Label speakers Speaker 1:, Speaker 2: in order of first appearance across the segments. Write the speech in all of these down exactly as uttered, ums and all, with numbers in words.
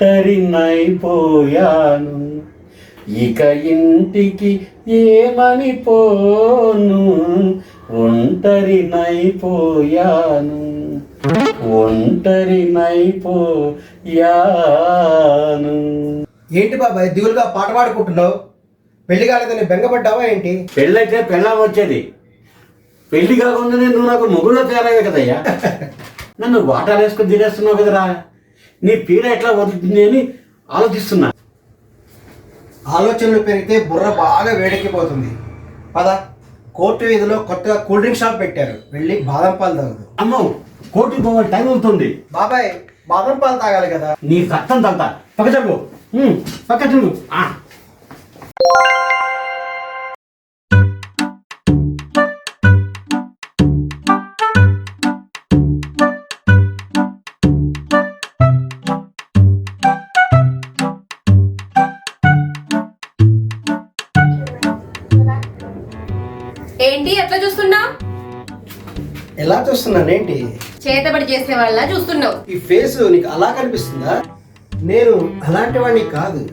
Speaker 1: ఒంటరినైపోయాను, ఇక ఇంటికి ఏమని పోను, ఒంటరినైపోయాను, ఒంటరినైపోయాను.
Speaker 2: ఏంటి బాబాయ్ దిగులుగా పాట పాడుకుంటున్నావు? పెళ్లి కాలేదని బెంగపడ్డావా ఏంటి?
Speaker 1: పెళ్ళైతే పెళ్ళాం వచ్చేది, పెళ్లి కాకుండానే నువ్వు నాకు మొగుళ్ళో తయారయ్యే కదయ్యా. నన్ను వాటాలు వేసుకొని తినేస్తున్నావు కదరా, నీ పీడ ఎట్లా వదులుతుంది అని ఆలోచిస్తున్నా.
Speaker 2: ఆలోచనలు పెరిగితే బుర్ర బాగా వేడెక్కిపోతుంది. పద, కోర్టు వీధిలో కొత్తగా కూల్ డ్రింక్ షాప్ పెట్టారు, వెళ్ళి బాదం పాలు తాగదు.
Speaker 1: అమ్మో, కోర్టుకు పోవాలి, టైం అవుతుంది.
Speaker 2: బాబాయ్ బాదం పాలు తాగాలి కదా.
Speaker 1: నీ రక్తం తాగుతా, పక్క జరుగు, పక్క జరుగు.
Speaker 3: ఏంటి అట్లా చూస్తున్నా?
Speaker 2: ఎలా చూస్తున్నానేంటి?
Speaker 3: చేతబడి చేసే వాళ్ళ చూస్తున్నావు.
Speaker 2: ఈ ఫేస్ నీకు అలా కనిపిస్తుందా? నేను అలాంటి వాడిని కాదు.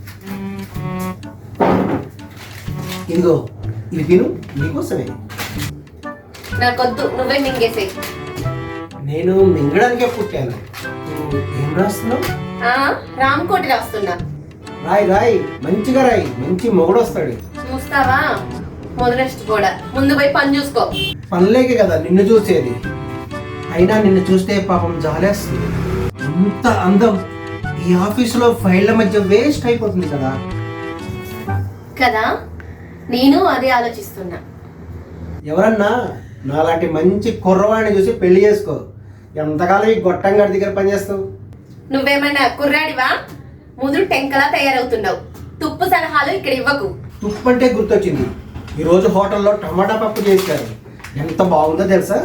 Speaker 2: ఇదిగో ఇది తిను, నీకోసమే.
Speaker 3: నాకొద్దు, నువ్వే మింగేసే.
Speaker 2: నేను మింగడానికే పుట్టాను. నువ్వు ఏం రాస్తున్నావు?
Speaker 3: రామకోటి రాస్తున్నా.
Speaker 2: రాయి రాయి, మంచిగా రాయి, మంచి మొగుడు వస్తాడు.
Speaker 3: చూస్తావా? మొదలెస్ట్ కూడా ముందు పోయి పని చూసుకో.
Speaker 2: పనిలేకే కదా నిన్ను చూసేది. అయినా నిన్ను చూస్తే పాపం జాలేస్తుంది. ఇంత అందం ఈ ఆఫీసులో ఫైళ్ళ మధ్య వేస్ట్ అయిపోతుంది కదా.
Speaker 3: కదా, నేను అదే ఆలోచిస్తున్నా.
Speaker 2: ఎవరన్నా నాలాంటి మంచి కుర్రవాడిని చూసి పెళ్లి చేసుకో. ఎంతకాలం ఈ గొట్టంగాడి దగ్గర పనిచేస్తావు?
Speaker 3: నువ్వేమైనా కుర్రాడివా? ముదురు టెంకలా తయారవుతున్నావు. తుప్పు సలహాలు ఇక్కడ ఇవ్వకు.
Speaker 2: తుప్పు అంటే గుర్తొచ్చింది. ఈరోజు హోటల్లో టమాటా పప్పు చేశారు, ఎంత బాగుందో తెలుసా?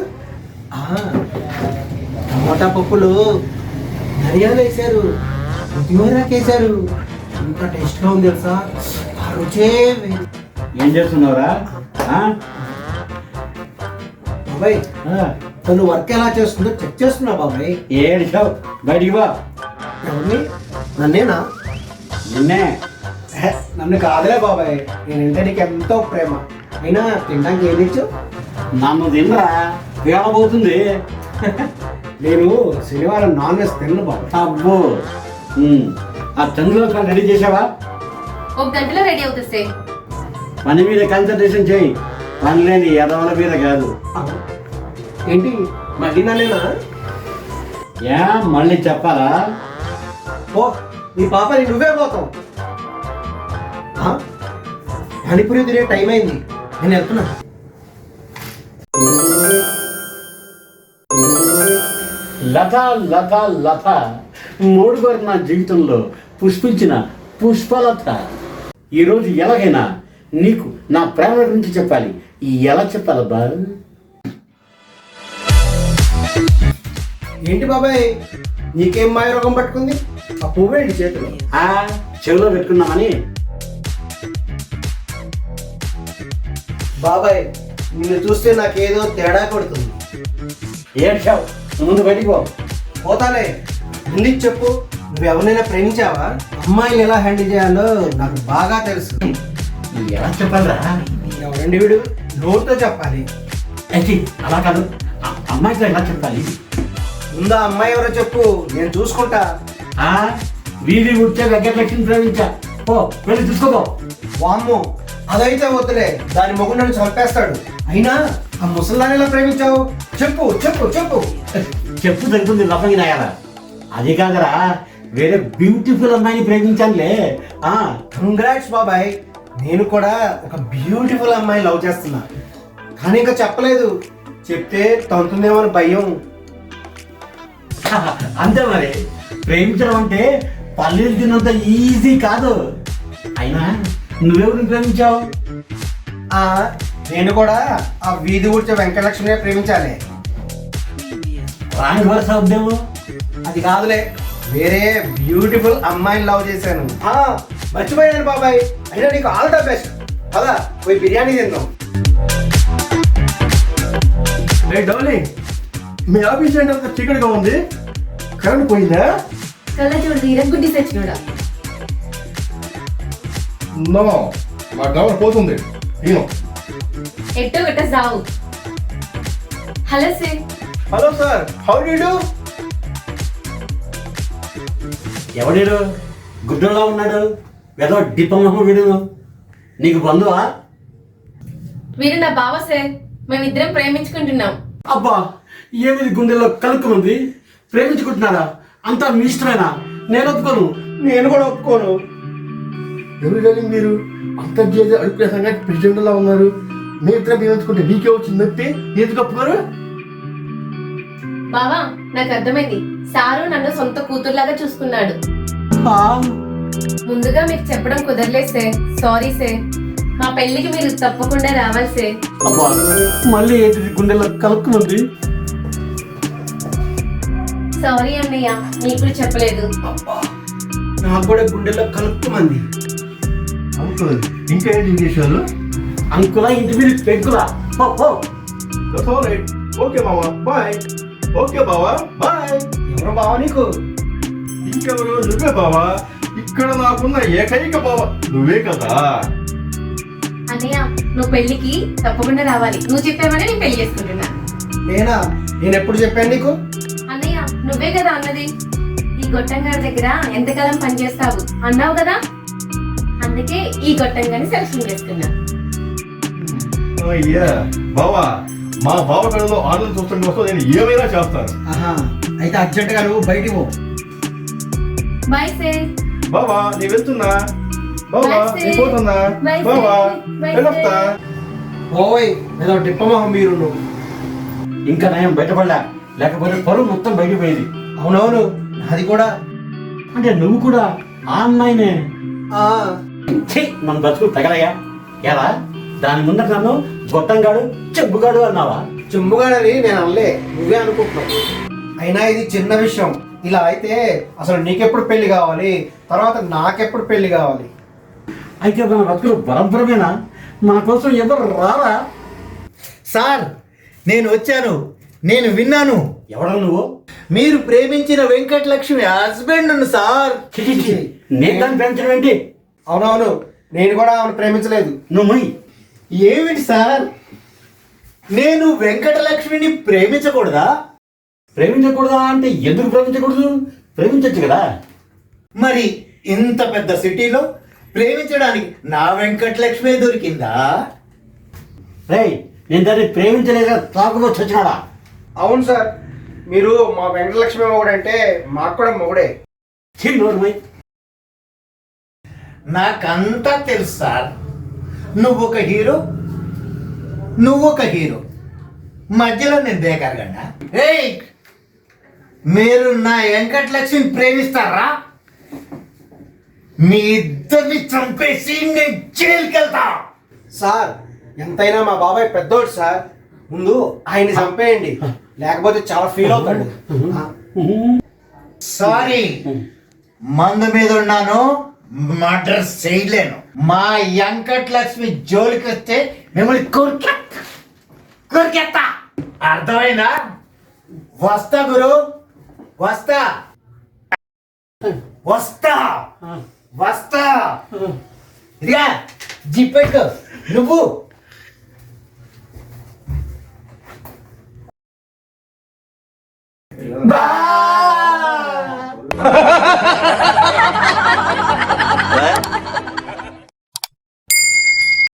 Speaker 2: టమాటా పప్పులు ధనియాలు వేశారు, కొత్తిమీరాకు వేశారు, ఎంత టేస్ట్గా ఉంది తెలుసా? ఆ రుచే.
Speaker 1: ఏం చేస్తున్నావురా?
Speaker 2: బాబాయ్ తను వర్క్ ఎలా చేస్తుందో చెక్ చేస్తున్నా బాబాయ్.
Speaker 1: ఏడిచావు, బయటికి బా.
Speaker 2: ఎవరిని? నన్నేనా?
Speaker 1: నిన్నే.
Speaker 2: నన్ను కాదులే బాబాయ్, నేనంటే నీకు ఎంతో ప్రేమ. అయినా తినడానికి ఏం తెచ్చు?
Speaker 1: నన్ను తినరా, వేళబోతుంది.
Speaker 2: నేను శనివారం నాన్ వెజ్ తిన్ను బాబాయ్.
Speaker 1: అబ్బో, ఆ చంద్రలోకి రెడీ చేసావా?
Speaker 3: ఒక గంటలో రెడీ అవుతుంది.
Speaker 1: పని మీద కాన్సన్ట్రేషన్ చేయి, పని లేని ఎదవల మీద కాదు.
Speaker 2: ఏంటి మళ్ళీ నన్నేనా?
Speaker 1: ఏ మళ్ళీ చెప్పాలా?
Speaker 2: ఓ నీ పాపని నువ్వే పోతావు. పానీపూరి తినే టైం అయింది, నేను వెళ్తున్నా.
Speaker 1: లత లత లత మూడుగారు నా జీవితంలో పుష్పించిన పుష్పలత. ఈరోజు ఎలాగైనా నీకు నా ప్రేమ గురించి చెప్పాలి. ఎలా చెప్పాలబ్బా?
Speaker 2: ఏంటి బాబాయ్, నీకేం మాయ రోగం పట్టుకుంది? ఆ పువ్వేంటి చేతులు?
Speaker 1: ఆ చెవిలో పెట్టుకున్నామని.
Speaker 2: బాబాయ్ నిన్ను చూస్తే నాకేదో తేడా కొడుతుంది.
Speaker 1: ఏడ్చావు, ముందు బయటికి పో.
Speaker 2: పోతాలే, ముందు చెప్పు, నువ్వు ఎవరినైనా ప్రేమించావా? అమ్మాయిని ఎలా హ్యాండిల్ చేయాలో నాకు బాగా తెలుసు.
Speaker 1: ఎలా చెప్పాలరా?
Speaker 2: ఎవరండి వీడు? నోటితో చెప్పాలి.
Speaker 1: అయితే అలా కాదు, అమ్మాయితో ఎలా చెప్పాలి?
Speaker 2: ముందు ఆ అమ్మాయి ఎవరో చెప్పు, నేను చూసుకుంటా.
Speaker 1: ఆ వీధి ఉడిచే వెంకటలక్ష్మి ప్రేమించా. పో, వెళ్ళి చూసుకోపో.
Speaker 2: వామ్మో, అదైతే వద్దులే, దాని మొగుడు నన్ను చంపేస్తాడు. అయినా ఆ ముసల్దాన్ని ఎలా ప్రేమించావు? చెప్పు చెప్పు చెప్పు.
Speaker 1: చెప్పు తగ్గుతుంది లఫంగి నాయాల. అది కాదరా, వేరే బ్యూటిఫుల్ అమ్మాయిని ప్రేమించానులే. ఆ
Speaker 2: కంగ్రాట్స్ బాబాయ్, నేను కూడా ఒక బ్యూటిఫుల్ అమ్మాయిని లవ్ చేస్తున్నా. కానీ ఇంకా చెప్పలేదు, చెప్తే తంతుందేమో అని భయం.
Speaker 1: అంతే మరి, ప్రేమించడం అంటే పల్లెలు తిన్నంత ఈజీ కాదు. అయినా నువ్వెవరిని ప్రేమించావు?
Speaker 2: ఆ నేను కూడా ఆ వీధి ఊడ్చే వెంకటలక్ష్మినే ప్రేమించాలి.
Speaker 1: రాని వరుస ఉద్యమం
Speaker 2: అది కాదులే, వేరే బ్యూటిఫుల్ అమ్మాయిని లవ్ చేశాను. ఆ మర్చిపోయాను బాబాయ్, అయినా నీకు ఆల్ ద బెస్ట్. పదా పోయి బిర్యానీ తిందాం.
Speaker 4: డార్లింగ్, మీ ఆఫీస్ ఏంటంత చీకటిగా ఉంది? కరెంట్ పోయిందా?
Speaker 3: కళ్ళ చూడు తీర గుడ్డి సచ్చినోడా.
Speaker 4: నో మా గవర్ పోతుంది నేను
Speaker 3: ఎట్టో గట్ట సావు. Hello sir.
Speaker 2: Hello sir, how do you do?
Speaker 1: ఎవడీడు గుడ్డోలా ఉన్నాడు? ఏదో డిపమహ వీడు. నీకు బంధువా?
Speaker 3: వీరు నా బావ సార్. మేమిద్దరం ప్రేమించుకుంటున్నాం.
Speaker 1: అబ్బా, ఏమిది గుండెల్లో కలుక్కుమంది? ప్రేమించుకుంటున్నారా? అంతా మీ ఇష్టమేనా? నేను ఒప్పుకోను.
Speaker 2: నేను కూడా ఒప్పుకోను.
Speaker 4: ఎవరు కానీ మీరు అంతర్జాతీయ అడుగుల సంఘానికి ప్రెసిడెంట్ లా ఉన్నారు. మీ ఇద్దరం ప్రేమించుకుంటే నీకే వచ్చింది నొప్పి, ఎందుకు ఒప్పుకోరు?
Speaker 3: బావా, నాకు అర్థమైంది. సారు నన్ను సొంత కూతురులాగా చూసుకున్నాడు.
Speaker 1: ఆ,
Speaker 3: ముందుగా మీకు చెప్పడం కుదరలేదు సార్. Sorry sir. మా పెళ్లికి మీరు తప్పకుండా రావాలి సార్.
Speaker 1: అబ్బా, మళ్ళీ ఏంటిది గుండెల్లో కలుక్కుమంది?
Speaker 3: సారీ అన్నయ్య, నీకు కూడా చెప్పలేదు.
Speaker 2: నాకు కూడా గుండెల్లో కలుక్కుమంది.
Speaker 4: అంకుల్ ఇంకా ఏంటి విశేషాలు?
Speaker 1: అంకులా ఇంటి మీద పెంకులా? హో, హో.
Speaker 4: ఓకే మావా బాయ్. ఓకే బావా బాయ్.
Speaker 2: ఎవరు బావ నీకు?
Speaker 4: ఇంకెవరు? నువ్వే బావా. ఇక్కడ నాకున్న ఏకైక బావ నువ్వే కదా.
Speaker 3: అన్నయ్య, నువ్వు పెళ్లికి తప్పకుండా రావాలి. నువ్వు చెప్పావని నేను పెళ్లి చేసుకుంటున్నా.
Speaker 2: నేనా? నేను ఎప్పుడు చెప్పాను నీకు?
Speaker 3: అన్నయ్య, నువ్వే కదా అన్నది ఈ గొట్టంగారి దగ్గర ఎంతకాలం పనిచేస్తావు అన్నావు కదా. అందుకే ఈ గొట్టంగాని సెలక్షన్ చేసుకున్నా.
Speaker 4: అయ్యా బావా, మా బావ కళలో ఆనందం చూడటం కోసం నేను ఏమైనా చేస్తాను.
Speaker 2: ఆహా, అయితే అర్జెంటుగా నువ్వు బయటికి పో.
Speaker 3: Bye sir.
Speaker 4: బావా నీ వెళ్తున్నా. బావా
Speaker 3: Bye, sis.
Speaker 4: నీ పోతున్నా.
Speaker 3: Bye, sis.
Speaker 4: బావా
Speaker 3: Bye,
Speaker 4: వెళ్ళొస్తా.
Speaker 2: ఓయ్, ఏదో డిప్పమోహం మీరు నువ్వు.
Speaker 1: ఇంకా నయం బయటపడలే, లేకపోతే పరువు మొత్తం బయటకు పోయేది.
Speaker 2: అవునవును, అది కూడా.
Speaker 1: అంటే నువ్వు కూడా ఆ అమ్మాయినే?
Speaker 2: ఆ,
Speaker 1: ఛీ, మన బతుకులు తగలయ్యా. ఎలా దాని ముందర నన్ను గొట్టంగాడు చెబ్బుగాడు అన్నావా?
Speaker 2: చుమ్ముగాడని నేను అనలే, నువ్వే అనుకుంటున్నావు. అయినా ఇది చిన్న విషయం. ఇలా అయితే అసలు నీకెప్పుడు పెళ్లి కావాలి, తర్వాత నాకెప్పుడు పెళ్లి కావాలి?
Speaker 1: అయితే మన బతుకులు బరబరమేనా? మన కోసం ఎవరు రారా?
Speaker 5: సార్, నేను వచ్చాను. నేను విన్నాను.
Speaker 1: ఎవడా నువ్వు?
Speaker 5: మీరు ప్రేమించిన వెంకటలక్ష్మి హస్బెండ్ సార్.
Speaker 1: ఛీ, ఛీ, ఛీ. నేను దాన్ని పెంచడం ఏంటి?
Speaker 2: అవునవును, నేను కూడా ఆమెను ప్రేమించలేదు.
Speaker 1: నువ్వు మొయ్.
Speaker 5: ఏమిటి సార్, నేను వెంకటలక్ష్మిని ప్రేమించకూడదా?
Speaker 1: ప్రేమించకూడదా అంటే ఎందుకు ప్రేమించకూడదు? ప్రేమించచ్చు కదా.
Speaker 5: మరి ఇంత పెద్ద సిటీలో ప్రేమించడానికి నా వెంకటలక్ష్మి దొరికిందా?
Speaker 1: రేయ్, నేను దాన్ని ప్రేమించలేక తాగుబోచ్చు వచ్చినాడా?
Speaker 2: అవును సార్, మీరు మా వెంకటలక్ష్మి మొగుడంటే మాకు కూడా మొగుడే.
Speaker 1: ఛీ, నోరు మొయ్.
Speaker 5: నాకంతా తెలుసు సార్. నువ్వు ఒక హీరో, నువ్వు ఒక హీరో, మధ్యలో నేను బేకారుగండా? ఏయ్, మీరు నా వెంకటలక్ష్మిని ప్రేమిస్తారా? మీ ఇద్దరిని చంపేసి నేను జైలుకి వెళ్తా.
Speaker 2: సార్, ఎంతైనా మా బాబాయ్ పెద్దోడు సార్. ముందు ఆయన్ని చంపేయండి, లేకపోతే చాలా ఫీల్ అవుతాడు. ఆ,
Speaker 5: సారీ, మందు మీద ఉన్నాను, మర్డర్ చేయలేను. మా వెంకటలక్ష్మి జోలికి వస్తే మిమ్మల్ని కొరికే కొరికేస్తా. అర్థమైందా? వస్తా గురు, వస్తా వస్తా వస్తా. ఇదిగా జిప్పెట్టు నువ్వు.
Speaker 1: బా